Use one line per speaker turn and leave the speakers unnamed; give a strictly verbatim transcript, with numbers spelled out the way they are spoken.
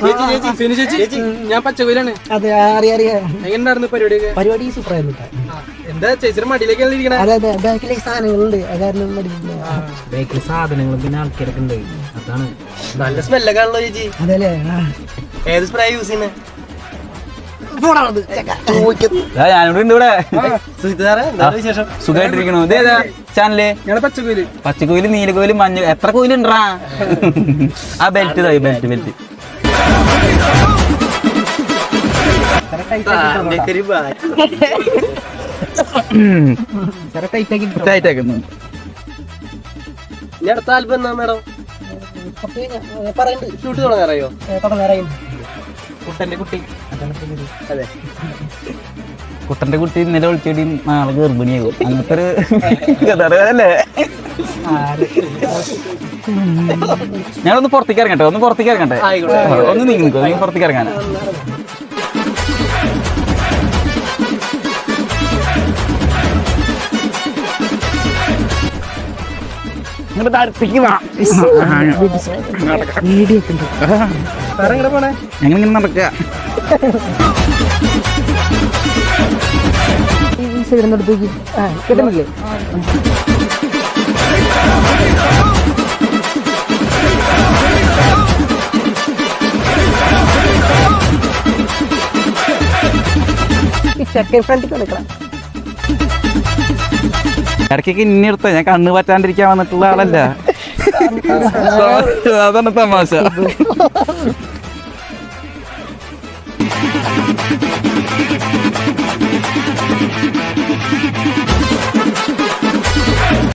ഞാൻ പച്ചക്കോയിലാണ്.
അതെ അറിയാം അറിയാം.
എങ്ങനെയുണ്ടായിരുന്നു പരിപാടിയൊക്കെ?
പരിപാടി സൂപ്പറായിരുന്നു.
എന്താ ചേച്ചിയുടെ മടിയിലേക്കാണ് ഇരിക്കണേ?
അതെ അതെ ബാക്കിലേക്ക് സാധനങ്ങളുണ്ട്. അതായിരുന്നു
ബാക്കിൽ സാധനങ്ങളും പിന്നെ ആൾക്കാരൊക്കെ ഉണ്ട്. അതാണ്
നല്ല സ്മെല്ലൊക്കെ ആണല്ലോ ചേച്ചി.
അതെല്ലേ?
ഏത് സ്പ്രേ യൂസ് ചെയ്യുന്നത്?
സുഖമായിട്ടിരിക്കണു. ഇതേതാ ചാനല്?
പച്ചക്കോയില്.
പച്ചക്കോയില്, നീലക്കോയില്, മഞ്ഞ എത്ര കോയിലുണ്ടാ? ആ ബെൽറ്റ് തായി ബെൽറ്റ് ബെൽറ്റ് ടൈറ്റാക്കുന്നു.
ഇനി അടുത്ത ആൽബം എന്നാ മേഡം? ഷൂട്ട് തുടങ്ങാറയോ? കുട്ടന്റെ കുട്ടി. അതെ,
കുട്ടന്റെ കുട്ടി ഇന്നലെ വിളിച്ചോടി നാളെ ഗർഭിണിയാകും. അങ്ങനത്തെ ഒരു കഥാറല്ലേ. ഞാനൊന്ന് പുറത്തേക്ക് ഇറങ്ങട്ടെ, ഒന്ന് പുറത്തേക്ക് ഇറങ്ങട്ടെ, ഒന്ന് നീങ്ങി നിൽക്കും. നീ പുറത്തേക്ക് ഇറങ്ങാൻ ഇങ്ങോട്ട് അടുത്തേക്ക് വാ. ഞങ്ങളിങ്ങനെ നടക്കുക.
കിട്ടുന്നില്ലേ?
ഇടയ്ക്കൊക്കെ ഇനി എടുത്ത ഞാൻ കണ്ണ് പറ്റാണ്ടിരിക്കാൻ വന്നിട്ടുള്ള ആളല്ല. അതാണ് തമാശ.